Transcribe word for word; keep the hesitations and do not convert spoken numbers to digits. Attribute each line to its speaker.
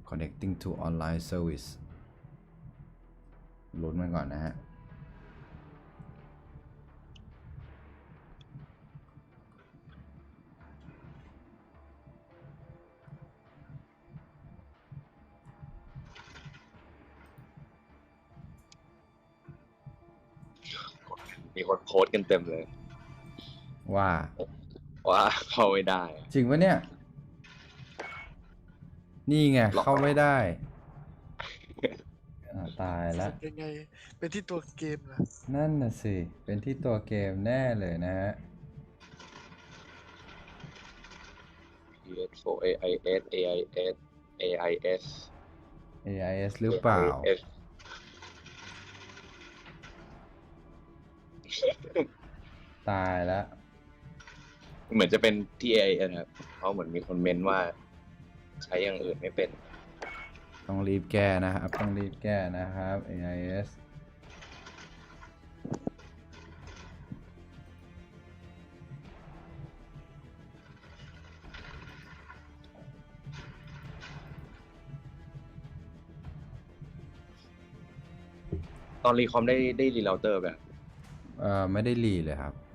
Speaker 1: connecting to online service ลุ้นมันก่อนนะฮะ
Speaker 2: มีคนโพสต์กันเต็มเลย
Speaker 1: ว่า
Speaker 2: ว่าเข้าไม่ได้
Speaker 1: จริงปะเนี่ย นี่ไง เข้าไม่ได้อ่าตายแล้ว
Speaker 3: ยังไง เป็นที่ตัวเกมนะ
Speaker 1: นั่นน่ะสิ เป็นที่ตัวเกมแน่เลยนะฮะ
Speaker 2: พี เอส โฟร์ เอ ไอ เอส เอ ไอ เอส เอ ไอ เอส
Speaker 1: เอ ไอ เอส หรือเปล่า
Speaker 2: เอ ไอ เอส
Speaker 1: ตายแล้ว
Speaker 2: เหมือนจะเป็นที่ เอ ไอ เอส นะครับเพราะเหมือนมีคนเมนว่า ใช้อย่างอื่นไม่เป็น
Speaker 1: ต้องรีบแก้นะครับ ต้องรีบแก้นะครับ เอ ไอ เอส
Speaker 2: ตอนรีคอมได้ได้รีเราเตอร์แบบ
Speaker 1: เอ่อ ไม่ได้รีเลยครับ